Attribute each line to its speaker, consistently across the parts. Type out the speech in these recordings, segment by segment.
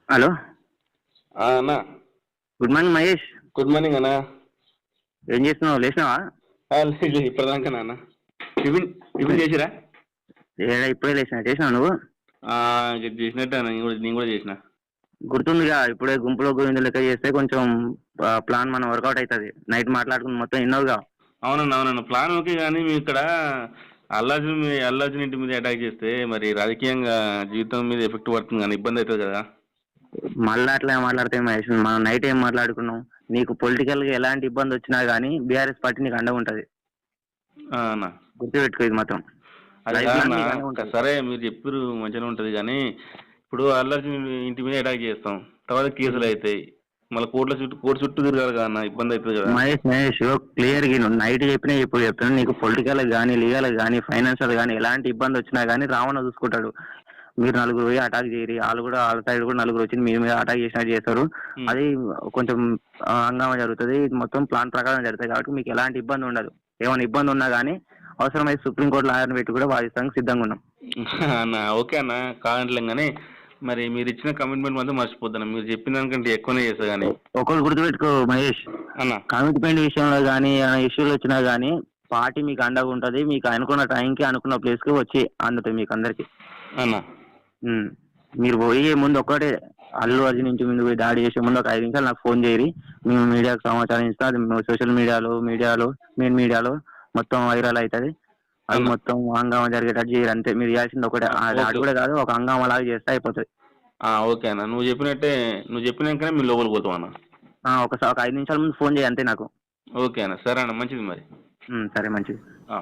Speaker 1: Hello.
Speaker 2: అన్నా.
Speaker 1: Good morning Mahesh.
Speaker 2: Good morning అన్నా.
Speaker 1: ఏం చేస్తున్నావు, లేచినావా?
Speaker 2: లేదు ఇప్పటిదాకా నాన్న. టిఫిన్ టిఫిన్ చేసిరా?
Speaker 1: ఇప్పుడే చేసినావు నువ్వు?
Speaker 2: చేసినట్టు అన్న, నేను కూడా చేసిన.
Speaker 1: గుర్తుందిగా, ఇప్పుడే గుంపులో గోవింద లెక్క చేస్తే కొంచెం ప్లాన్ మనం వర్కౌట్ అవుతుంది. నైట్ మాట్లాడుకుని మొత్తం విన్నావుగా.
Speaker 2: అవునన్న ప్లాన్ ఓకే, కానీ మీ ఇక్కడ అల్లార్జున్ ఇంటి మీద అటాక్ చేస్తే మరి రాజకీయంగా జీవితం మీద ఎఫెక్ట్ పడుతుంది కానీ ఇబ్బంది అవుతుంది కదా.
Speaker 1: మళ్ళీ అట్లా మాట్లాడితే మహేష్, మనం నైట్ ఏం మాట్లాడుకున్నాం? నీకు పొలిటికల్గా ఎలాంటి ఇబ్బంది వచ్చినా కానీ బీఆర్ఎస్ పార్టీ నీకు అండగా ఉంటుంది.
Speaker 2: అన్న
Speaker 1: గుర్తుపెట్టుకో ఇది మాత్రం.
Speaker 2: అది కాదన్న, సరే మీరు చెప్పారు మంచిగానే ఉంటుంది కానీ ఇప్పుడు అల్లార్జున్ ఇంటి మీద అటాక్ చేస్తాం, తర్వాత కేసులు అవుతాయి, మళ్ళీ కోర్టు చుట్టూ తిరగాలి కదా అన్న, ఇబ్బంది అవుతుంది కదా.
Speaker 1: మహేష్ క్లియర్ గా నైట్ చెప్పినా ఇప్పుడు చెప్తాను, నీకు పొలిటికల్ కానీ లీగల్ కానీ ఫైనాన్షియల్ కానీ ఎలాంటి ఇబ్బంది వచ్చినా కానీ రావణ చూసుకుంటాడు. మీరు నలుగురు పోయి అటాక్ చేయరు, వాళ్ళు కూడా వాళ్ళ సైడ్ కూడా నలుగురు వచ్చి మీ మీద అటాక్ చేసినట్టు చేస్తారు. అది కొంచెం హంగామా జరుగుతుంది. మొత్తం ప్లాన్ ప్రకారం జరుగుతుంది కాబట్టి మీకు ఎలాంటి ఇబ్బంది ఉండదు. ఏమైనా ఇబ్బంది ఉన్నా కానీ అవసరమైతే సుప్రీంకోర్టు లాయర్ని పెట్టి కూడా వాదిస్తానికి సిద్ధంగా ఉన్నాం.
Speaker 2: అన్న ఓకే అన్న, కాదంటలేం కానీ మరి మీరు ఇచ్చిన కమిట్మెంట్ మాత్రం మర్చిపోతాను. మీరు చెప్పిన దానికంటే ఎక్కువనే చేస్తా కానీ
Speaker 1: ఒకరు గుర్తుపెట్టుకో మహేష్ అన్న, కమిట్మెంట్ విషయంలో కానీ ఇష్యూలు వచ్చినా కానీ పార్టీ మీకు అండగా ఉంటుంది. మీకు అనుకున్న టైంకి అనుకున్న ప్లేస్కి వచ్చి అందుతుంది మీకు అందరికి
Speaker 2: అన్న.
Speaker 1: మీరు పోయే ముందు ఒక్కటే, అల్లు అర్జున్ ఇంటి ముందు పోయి దాడి చేసే ముందు ఒక 5 నిమిషాలు నాకు ఫోన్ చేయరి. మేము మీడియాకు సమాచారం ఇస్తాం. అది సోషల్ మెయిన్ మీడియాలో మొత్తం వైరల్ అవుతుంది. అది మొత్తం హంగామా జరిగేటట్టు చేయరు అంతే. మీరు చేయాల్సింది ఒకటే, దాడి కూడా కాదు, ఒక హంగామా లాగా చేస్తే అయిపోతుంది.
Speaker 2: ఓకే అన్న, నువ్వు చెప్పినాకనే మీరు లోపలికి పోతాం అన్న.
Speaker 1: ఒక 5 నిమిషాల ముందు ఫోన్ చేయి అంతే నాకు.
Speaker 2: ఓకే అన్న, సరే అన్న, మంచిది మరి.
Speaker 1: సరే మంచిది.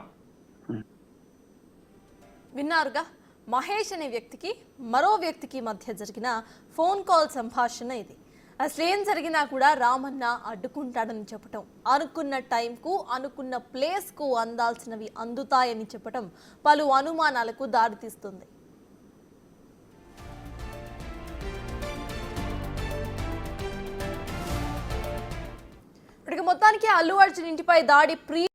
Speaker 3: విన్నారుగా, మహేష్ అనే వ్యక్తికి మరో వ్యక్తికి మధ్య జరిగిన ఫోన్ కాల్ సంభాషణ ఇది. అసలేం జరిగినా కూడా రామన్న అడ్డుకుంటాడని చెప్పటం, అనుకున్న టైంకు అనుకున్న ప్లేస్కు అందాల్సినవి అందుతాయని చెప్పటం పలు అనుమానాలకు దారితీస్తుంది. మొత్తానికి అల్లు అర్జున్ ఇంటిపై దాడి